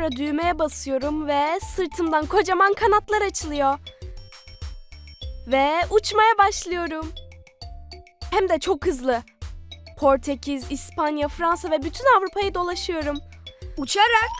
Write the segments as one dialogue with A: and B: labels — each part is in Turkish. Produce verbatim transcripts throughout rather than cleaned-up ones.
A: Sonra düğmeye basıyorum ve sırtımdan kocaman kanatlar açılıyor. Ve uçmaya başlıyorum. Hem de çok hızlı. Portekiz, İspanya, Fransa ve bütün Avrupa'yı dolaşıyorum.
B: Uçarak.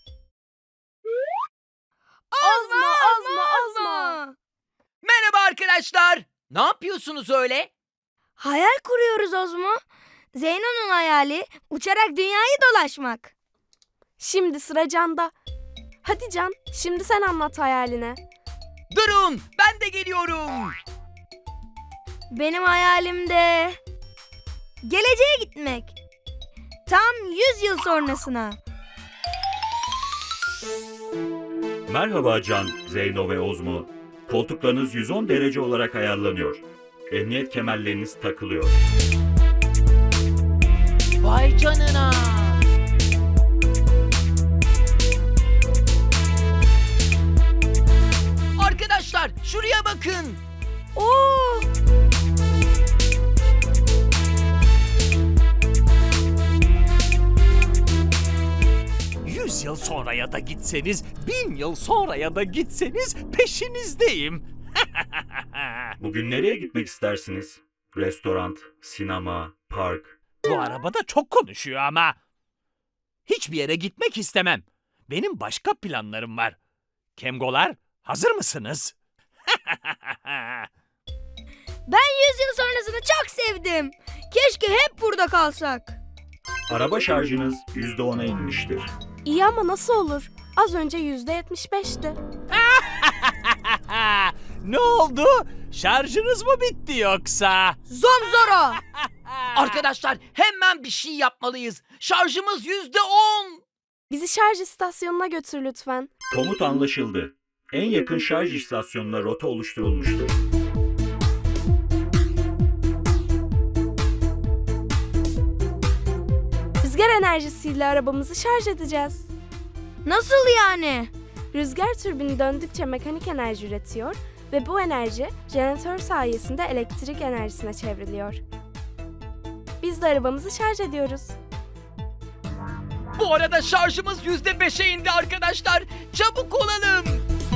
A: Ozmo, Ozmo, Ozmo.
C: Merhaba arkadaşlar. Ne yapıyorsunuz öyle?
B: Hayal kuruyoruz Ozmo. Zeyno'nun hayali uçarak dünyayı dolaşmak.
A: Şimdi sıra Can'da. Hadi Can, şimdi sen anlat hayalini.
C: Durun, ben de geliyorum.
B: Benim hayalim de geleceğe gitmek. Tam yüz yıl sonrasına.
D: Merhaba Can, Zeyno ve Ozmo. Koltuklarınız yüz on derece olarak ayarlanıyor. Emniyet kemerleriniz takılıyor.
C: Vay canına. Arkadaşlar, şuraya bakın.
B: Oo!
E: Yüz yıl sonraya da gitseniz, bin yıl sonraya da gitseniz peşinizdeyim.
D: Bugün nereye gitmek istersiniz? Restoran, sinema, park.
E: Bu arabada çok konuşuyor ama. Hiçbir yere gitmek istemem. Benim başka planlarım var. Kemgolar, hazır mısınız?
B: Ben yüz yıl sonrasını çok sevdim. Keşke hep burada kalsak.
D: Araba şarjınız yüzde ona inmiştir.
A: İyi ama nasıl olur? Az önce yüzde yetmiş beşti.
E: Ne oldu? Şarjınız mı bitti yoksa?
B: Zomzoro.
C: Arkadaşlar, hemen bir şey yapmalıyız. Şarjımız yüzde on.
A: Bizi şarj istasyonuna götür lütfen.
D: Komut anlaşıldı. En yakın şarj istasyonuna rota oluşturulmuştur.
A: Rüzgar enerjisiyle arabamızı şarj edeceğiz.
B: Nasıl yani?
A: Rüzgar türbini döndükçe mekanik enerji üretiyor ve bu enerji jeneratör sayesinde elektrik enerjisine çevriliyor. Biz de arabamızı şarj ediyoruz.
C: Bu arada şarjımız yüzde beşe indi arkadaşlar. Çabuk olalım.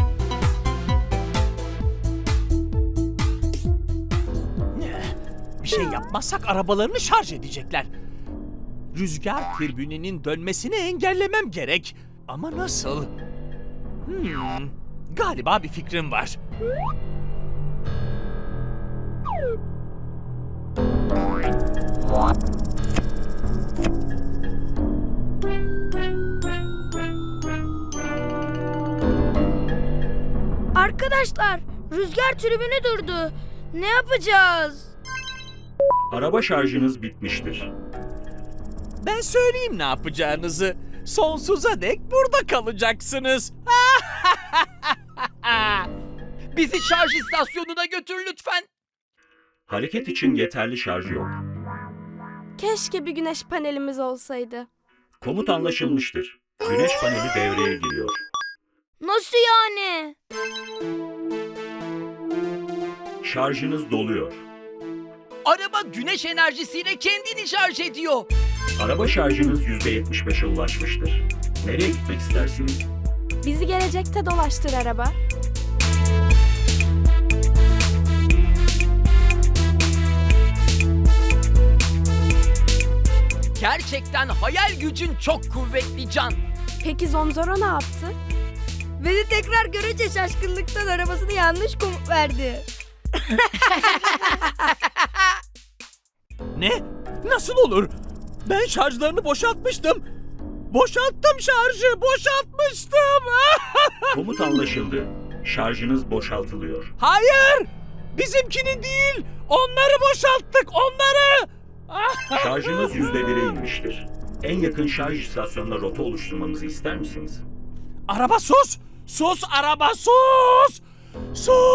E: Bir şey yapmazsak arabalarını şarj edecekler. Rüzgar türbününün dönmesini engellemem gerek. Ama nasıl? Hmm, galiba bir fikrim var.
B: Arkadaşlar, rüzgar tribünü durdu. Ne yapacağız?
D: Araba şarjınız bitmiştir.
E: Ben söyleyeyim ne yapacağınızı. Sonsuza dek burada kalacaksınız.
C: Bizi şarj istasyonuna götür lütfen.
D: Hareket için yeterli şarj yok.
A: Keşke bir güneş panelimiz olsaydı.
D: Komut anlaşılmıştır. Güneş paneli devreye giriyor.
B: Nasıl yani?
D: Şarjınız doluyor.
C: Araba güneş enerjisiyle kendini şarj ediyor.
D: Araba şarjınız yüzde yetmiş beşe ulaşmıştır. Nereye gitmek istersiniz?
A: Bizi gelecekte dolaştır araba.
C: Gerçekten hayal gücün çok kuvvetli Can.
A: Peki Zomzoro ne yaptı?
B: Beni tekrar görünce şaşkınlıktan arabasını yanlış komut verdi.
E: Ne? Nasıl olur? Ben şarjlarını boşaltmıştım. Boşalttım şarjı, boşaltmıştım.
D: Komut anlaşıldı. Şarjınız boşaltılıyor.
E: Hayır! Bizimkini değil, onları boşalttık, onları!
D: Şarjınız yüzde bire inmiştir. En yakın şarj istasyonuna rota oluşturmamızı ister misiniz?
E: Araba sus! Sus araba sus! Sus!